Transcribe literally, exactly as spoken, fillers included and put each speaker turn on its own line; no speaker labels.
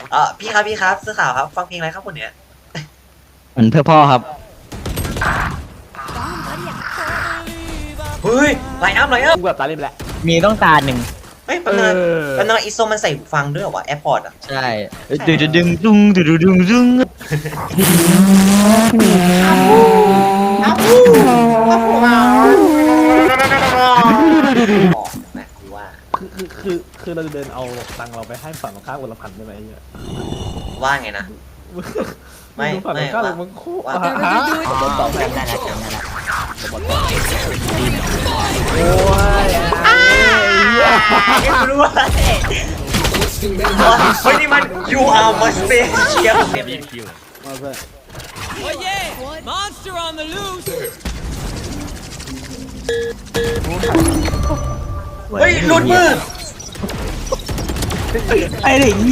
เออพี่ครับพี่ครับเสื้อขาวครับฟังเพลงอะไรครับคนเนี้ย
เหมือนเพื่อพ่อครับ
เฮ้ยไลน์อัพไลน์อัพ
กูแบบตาเล่นไปแล้ว
มีต้องตาหนึ่ง
เฮ้ยแป๊บนึงแป๊บนึงอีโซมันใส่หูฟังด้วยเหรอวะแอร์พอร์ตอ่ะ
ใช่ดึงดึงดึงดึงดึงดึงดึง
ออกนะกูว่า
คือคือคือคือเราจะเดินเอาตังค์เราไปให้ฝั่งตรงข้ามคนละพันได้ไหมเนี่ย
ว่าไงนะ ไม่
ฝั่งต
ไม่
รงข้าม
ว่า
มึงคู่
ว่า
ฮะ
อ๋อจำได้แล้วจำได้แล้ว
โอ้ย
ไม่รู้อะไรเฮ้ยนี่มัน you are my special
มาเพื่อน
Oh yeah! Monster on the loose!
เฮ้ยหลุดมือ
ไอ้เด็ก